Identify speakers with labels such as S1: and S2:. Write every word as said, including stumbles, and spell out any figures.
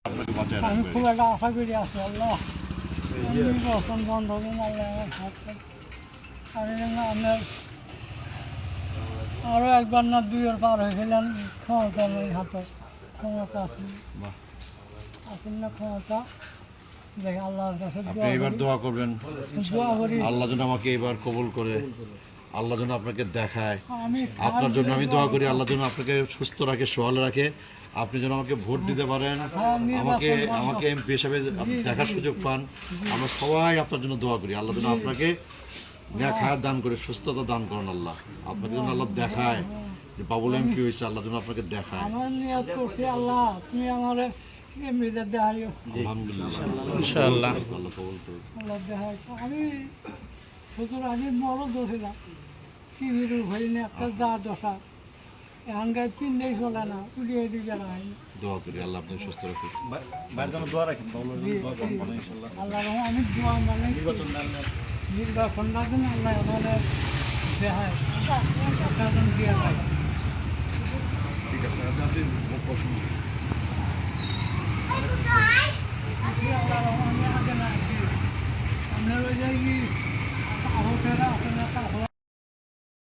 S1: আপনাকে বাঁচায়
S2: আমি
S1: রাখবে।
S2: খুব একটা আশা করি আছি আল্লাহ নির্বাচন বন্ধ হবেন আল্লাহ আমার হাতে আমি যেন আপনার আরও একবার না দুইয়ের পার হয়েছিলেন ক্ষমতা নেই হাতে ক্ষমতা আছে
S1: বাহ।
S2: আছেন না ক্ষমতা দেখে আল্লাহর কাছে
S1: আপনি
S2: দোয়া
S1: এবার
S2: করি
S1: দোয়া করবেন
S2: দোয়া করি
S1: আল্লাহ যেন আমাকে এবার কবুল করে, আল্লাহ যেন আপনাকে দেখায়।
S2: আমি
S1: আপনার জন্য আমি দোয়া করি আল্লাহ যেন আপনাকে সুস্থ রাখে, সহল রাখে, আপনি যেন আমাকে ভোট দিতে পারেন, আমাকে আমাকে এমপি হিসাবে আপনি দেখার সুযোগ পান। আমরা সবাই আপনার জন্য দোয়া করি আল্লাহ যেন আপনাকে দেখায় দান করে, সুস্থতা দান করেন আল্লাহ। আপনাকে যেন আল্লাহ দেখায় যে বাবুল এমপি হয়েছে, আল্লাহ যেন আপনাকে দেখায়।
S2: আমার নিয়ত করছি আল্লাহ তুমি আমার এমনিতে দেখাইও
S1: আলহামদুলিল্লাহ
S3: ইনশাআল্লাহ।
S1: আল্লাহ কবুল করুন।
S2: আল্লাহ দেখাই আমি শুধু আমি বড় দোষিলাম টিভির হইনি একটা যা দশা এখানকার চিন্তাই চলে না উড়িয়ে দিকে নাই
S1: দোয়া করি আল্লাহ আপনাকে সুস্থ রাখুন।
S2: আল্লাহ আমি দোয়া মানে নির্বাচন না দিন আল্লাহ আমাদের দেখায় দিয়ে পাই